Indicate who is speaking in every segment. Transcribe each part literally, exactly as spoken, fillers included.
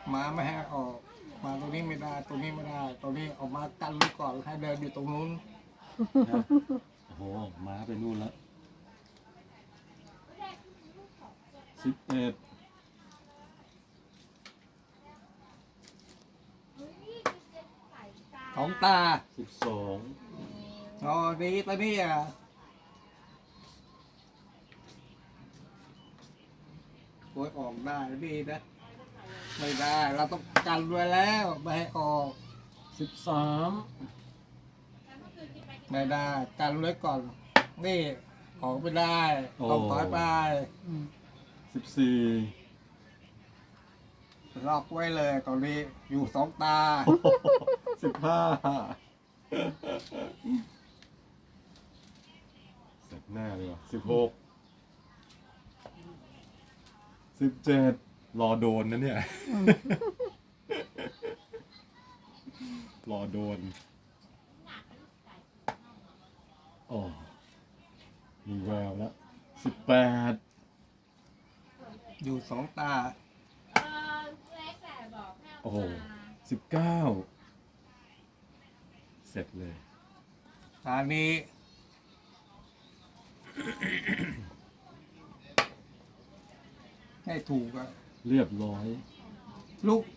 Speaker 1: มาไม่ให้ออกมาตรงนี้ไม่ได้ตรงนี้ไม่ได้ตรงนี้ออกมากันไว้ก่อนให้เดินอยู่ตรงนู้น
Speaker 2: นะโอ้โหม้าไปนู่นแล้วสิบเอ็ด
Speaker 1: ของตา
Speaker 2: สิบสอง
Speaker 1: อ๋อดีตอนนี้อ่ะโวยออกได้ดีนะไม่ได้เราต้องกันไว้แล้วไม่ให้ออก
Speaker 2: สิบสาม
Speaker 1: ไม่ได้กันไว้ก่อนนี่ออกไม่ได้ออกถอยไป
Speaker 2: สิบสี่
Speaker 1: ล็อกไว้เลยตอนนี้อยู่สองตา
Speaker 2: สิบห้าเสร็จแน่เลยว่ะสิบหกสิบเจ็ดรอโดนนะเนี่ย รอโดนโอ้มีแววแล้วสิบแปด
Speaker 1: อยู่สองตา
Speaker 2: โอ้โหสิบเก้าเสร็จเลย
Speaker 1: ตานี้ ให้ถูกอะ
Speaker 2: เรียบร้อย
Speaker 1: ลูก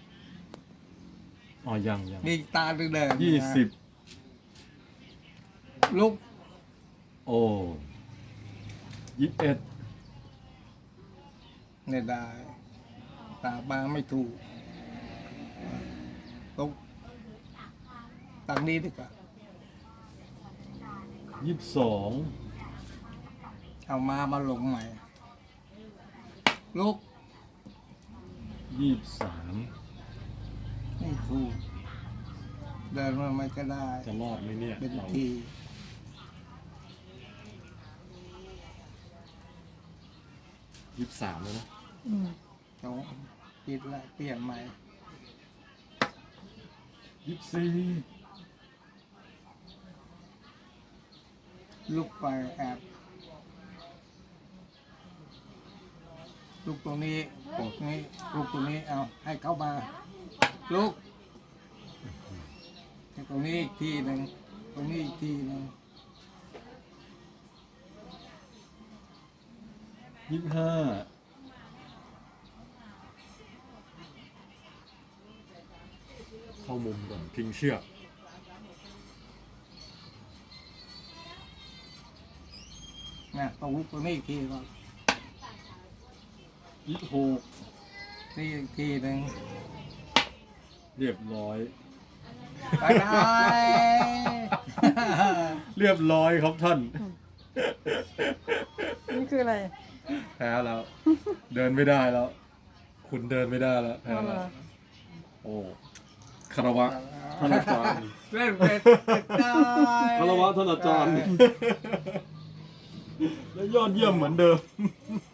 Speaker 2: อ๋อยังยัง
Speaker 1: นี่ตาเดินๆ
Speaker 2: ยี่สิบ
Speaker 1: ลูก
Speaker 2: โอ้ยี่สิบเอ็ด
Speaker 1: ไม่ได้ ตาบางไม่ถูกตรงตังนี้ดีกว่า
Speaker 2: ยี่สิบสอง
Speaker 1: เอามามาลงใหม่ ลูก
Speaker 2: ยี่สิบสาม
Speaker 1: ไม่ถูก เดินมาไม่ก็ได้
Speaker 2: จะรอดไหมเนี่ย
Speaker 1: เป็น
Speaker 2: เรา
Speaker 1: ที
Speaker 2: ยี่สิบสามแล้วนะ
Speaker 1: ต้องปิดละเปลี่ยนใหม่
Speaker 2: ยี่สิบสี่
Speaker 1: ลูกไปแอบลูกตรงนี้ตรงนี้ลูกตรงนี้เอาให้เข้ามา ลูกให้ตรงนี้อีกทีหนึ่งตรงนี้อีกทีหนึ่ง
Speaker 2: ยี่สิบห้าเข้ามุมก่อนพิงเชือก
Speaker 1: นะตรงลูกตรงนี้อีกทีก่อน
Speaker 2: ยี่สิบหก
Speaker 1: นี่อีกทีหนึ่ง
Speaker 2: เรียบร้อย
Speaker 1: ไปได้
Speaker 2: เรียบร้อยครับท่าน
Speaker 3: นี่คืออะไร
Speaker 2: แพ้แล้ว เดินไม่ได้แล้ว คุณเดินไม่ได้แล้วแพ้
Speaker 3: เอาเหร
Speaker 2: แล้ว
Speaker 3: อ
Speaker 2: โอ้คารวะท่านอาจารย์
Speaker 1: เล่นเป็นได้
Speaker 2: คารวะท่านอาจารย์ และยอดเยี่ยมเหมือนเดิม